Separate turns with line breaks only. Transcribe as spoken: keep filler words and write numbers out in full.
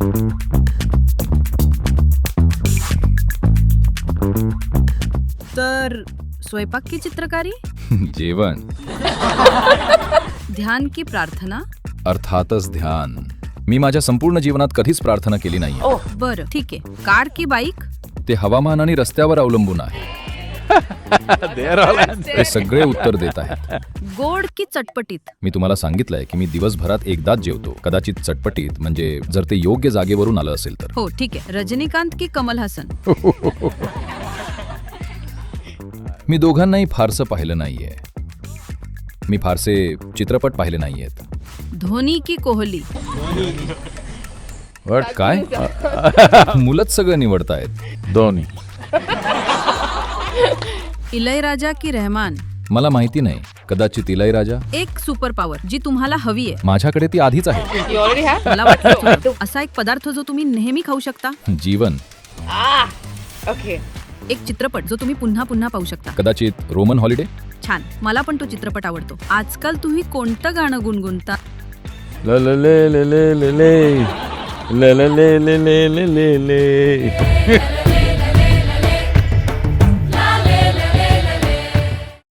तर स्वयंपाक की चित्रकारी,
जेवण,
ध्यान की प्रार्थना?
अर्थातच ध्यान. मी माझ्या संपूर्ण जीवनात कधीच प्रार्थना केली नाही.
बरं ठीक आहे. कार की बाईक?
ते हवामान आणि रस्त्यावर अवलंबून आहे. ते सगळे उत्तर देत आहेत.
गोड की चटपटीत?
मी तुम्हाला सांगितलंय की मी दिवसभरात एकदाच जेवतो. कदाचित चटपटीत, म्हणजे जर ते योग्य जागेवरून आलं असेल तर.
हो ठीक आहे. रजनीकांत की कमल हसन?
मी दोघांनाही फारसं पाहिलं नाहीये. मी फारसे चित्रपट पाहिले नाहीयेत.
धोनी की कोहली?
वट काय? मुलंच सगळं निवडतायत.
दोन्ही.
इलयराजा की रहमान?
मला माहिती नाही. कदाचित इलयराजा.
एक सुपर पॉवर जी तुम्हाला हवी आहे.
माझ्याकडे ती आधीच आहे.
You already have?
मला वाटलं असा एक पदार्थ जो तुम्ही नेहमी खाऊ शकता.
जीवन.
Ah, okay.
एक चित्रपट जो तुम्ही पुन्हा पुन्हा पाहू शकता.
कदाचित रोमन हॉलिडे.
छान. मला पण तो चित्रपट आवडतो. आजकाल तुम्ही कोणतं गाणं गुणगुणता?
ल ल ले ले ले ले ले ले ले ले ले ले ले ले